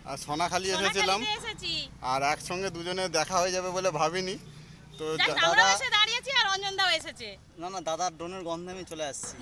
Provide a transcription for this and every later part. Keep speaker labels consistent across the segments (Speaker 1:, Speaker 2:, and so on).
Speaker 1: আর সোনাখালি এসেছিলাম, আর একসঙ্গে দুজনে দেখা হয়ে যাবে বলে ভাবিনি। তো
Speaker 2: দাদা এসে দাঁড়িয়েছি আর অঞ্জন দাও এসেছে।
Speaker 3: না না, দাদার ড্রোনের গন্ধে আমি চলে আসছি।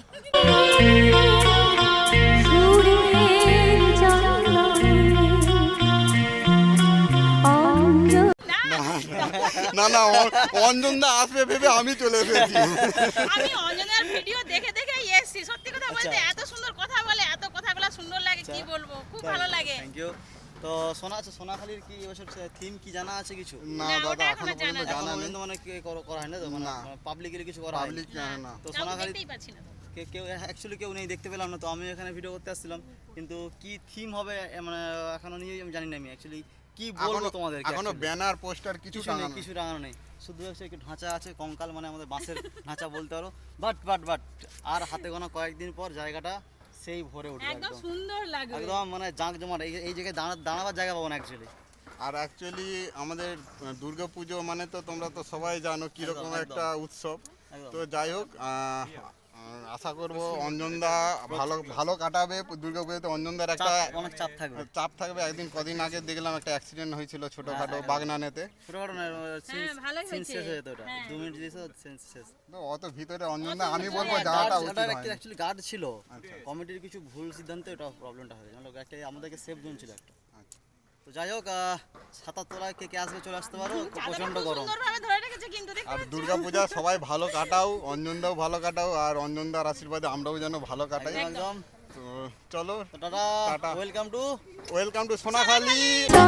Speaker 1: না না, অঞ্জন দা আসবে ভেবে আমি চলে এসেছি।
Speaker 2: আমি অঞ্জনের ভিডিও দেখে দেখে এসেছি। সত্যি কথা বলতে এত সুন্দর কথা বলে, এত কথাগুলো সুন্দর লাগে, কি বলবো, খুব ভালো লাগে।
Speaker 3: Thank you. তো সোনাখালির কি এবছর থিম কি জানা আছে কিছু?
Speaker 1: না দাদা, এখনো পর্যন্ত জানা নেই।
Speaker 3: মানে কি করা হয় না তো, মানে পাবলিকলি কিছু করা হয়
Speaker 1: পাবলিক জানে না।
Speaker 3: তো সোনাখালি
Speaker 2: দেখতেই পাচ্ছি না তো।
Speaker 3: কেউ অ্যাকচুয়ালি কেউ নেই, দেখতে পেলাম না। তো আমি এখানে ভিডিও করতে আসছিলাম, কিন্তু কি থিম হবে মানে এখনো নিয়ে আমি জানি না। আমি অ্যাকচুয়ালি কি বলবো তোমাদের,
Speaker 1: এখনো ব্যানার পোস্টার কিছু
Speaker 3: নেই, কিছু টাঙানো নেই। শুধু হচ্ছে একটু ঢাঁচা আছে, কঙ্কাল মানে আমাদের বাঁশের ঢাঁচা বলতে পারো। বাট আর হাতে গোনা কয়েকদিন পর জায়গাটা সেই ভরে উঠবে,
Speaker 2: একদম সুন্দর লাগবে,
Speaker 3: একদম মানে জাঁকজমাট। এই জায়গায় দাঁড়াবার জায়গা পাবো না অ্যাকচুয়ালি।
Speaker 1: আর অ্যাকচুয়ালি আমাদের দুর্গাপুজো মানে তো তোমরা তো সবাই জানো কিরকম একটা উৎসব। তো যাই হোক, আশা করবো অঞ্জনদা ভালো কাটাবে দুর্গাপুজোতে। অঞ্জনদার একটা
Speaker 3: অনেক
Speaker 1: চাপ থাকবে। একদিন কদিন আগে দেখলাম একটা অ্যাক্সিডেন্ট হয়েছিল ছোটখাটো বাগনানেতে।
Speaker 3: ছোটখাটো না,
Speaker 2: ভালোই
Speaker 3: সিন শেষ
Speaker 2: হয়েছে।
Speaker 3: হয়ে যেত ওটা, 2 মিনিট দিয়েছে সিন শেষ।
Speaker 1: তো অত ভিতরে অঞ্জনদা আমি বলবো যাওয়াটা উচিত হয়নি।
Speaker 3: অ্যাকচুয়ালি গার্ড ছিল, কমিটির কিছু ভুল সিদ্ধান্তে এটা প্রবলেমটা হয়েছে। আমাদেরকে সেফ জোন ছিল একটা। তো যাই হোক, ৭ তলায় কে আসবে চলে আসতে পারো, প্রচন্ড গরম।
Speaker 2: সুন্দরভাবে ধরে রেখেছে কিন্তু দেখতে
Speaker 1: আর
Speaker 2: পাচ্ছ?
Speaker 1: দুর্গাপূজা সবাই ভালো কাটাও, অঞ্জনদাও ভালো কাটাও, আর অঞ্জনদার আশীর্বাদে আমরাও যেন ভালো কাটাই।
Speaker 3: একদম।
Speaker 1: তো চলো,
Speaker 3: tata,
Speaker 1: tata.
Speaker 3: Welcome to
Speaker 1: Sonakhali.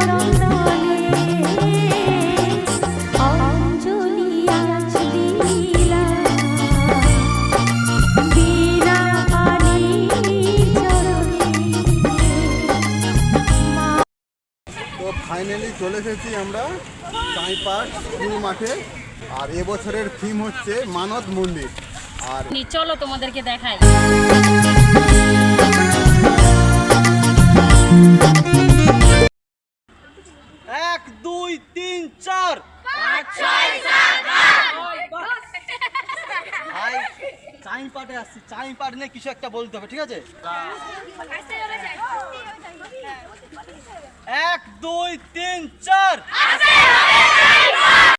Speaker 1: তো ফাইনালি চলে এসেছি আমরা চাঁইপাট স্কুল মাঠে। আর এবছরের থিম হচ্ছে মানত মন্দির। আর
Speaker 2: চলো তোমাদেরকে দেখাই।
Speaker 3: 1 2 3 4 5 6 ভাই, চাঁইপাটে আসছি। চাঁইপাট নিয়ে কিছু একটা বলতে হবে, ঠিক আছে? 1 2 3 4